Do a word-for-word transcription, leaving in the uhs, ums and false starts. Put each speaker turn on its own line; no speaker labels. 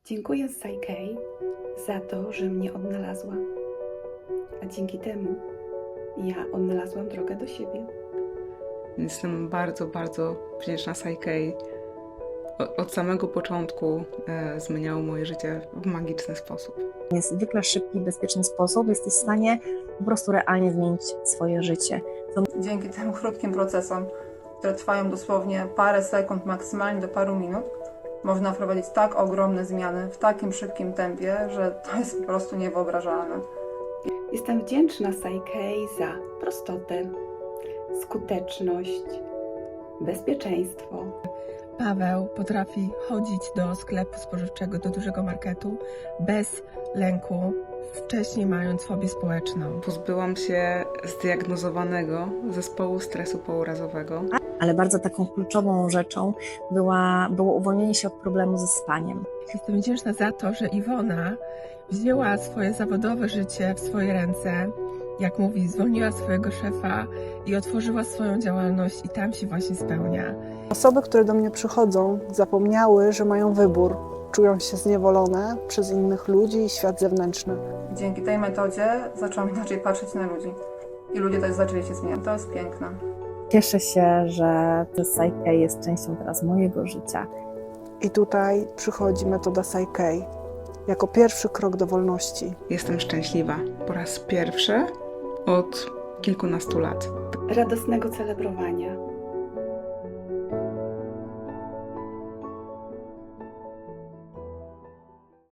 Dziękuję Psykei za to, że mnie odnalazła, a dzięki temu ja odnalazłam drogę do siebie.
Jestem bardzo, bardzo wdzięczna Psykei. Od samego początku e, zmieniało moje życie w magiczny sposób.
W niezwykle szybki i bezpieczny sposób jesteś w stanie po prostu realnie zmienić swoje życie. To
Dzięki tym krótkim procesom, które trwają dosłownie parę sekund, maksymalnie do paru minut, można wprowadzić tak ogromne zmiany w takim szybkim tempie, że to jest po prostu niewyobrażalne.
Jestem wdzięczna Psykei za prostotę, skuteczność, bezpieczeństwo.
Paweł potrafi chodzić do sklepu spożywczego, do dużego marketu bez lęku, wcześniej mając fobię społeczną.
Pozbyłam się zdiagnozowanego zespołu stresu pourazowego.
ale bardzo taką kluczową rzeczą była, było uwolnienie się od problemu ze spaniem.
Jestem wdzięczna za to, że Iwona wzięła swoje zawodowe życie w swoje ręce, jak mówi, zwolniła swojego szefa i otworzyła swoją działalność i tam się właśnie spełnia.
Osoby, które do mnie przychodzą, zapomniały, że mają wybór. Czują się zniewolone przez innych ludzi i świat zewnętrzny.
Dzięki tej metodzie zaczęłam inaczej patrzeć na ludzi. I ludzie też zaczęli się zmieniać. To jest piękne.
Cieszę się, że Psykei jest częścią teraz mojego życia.
I tutaj przychodzi metoda Psykei jako pierwszy krok do wolności.
Jestem szczęśliwa po raz pierwszy od kilkunastu lat.
Radosnego celebrowania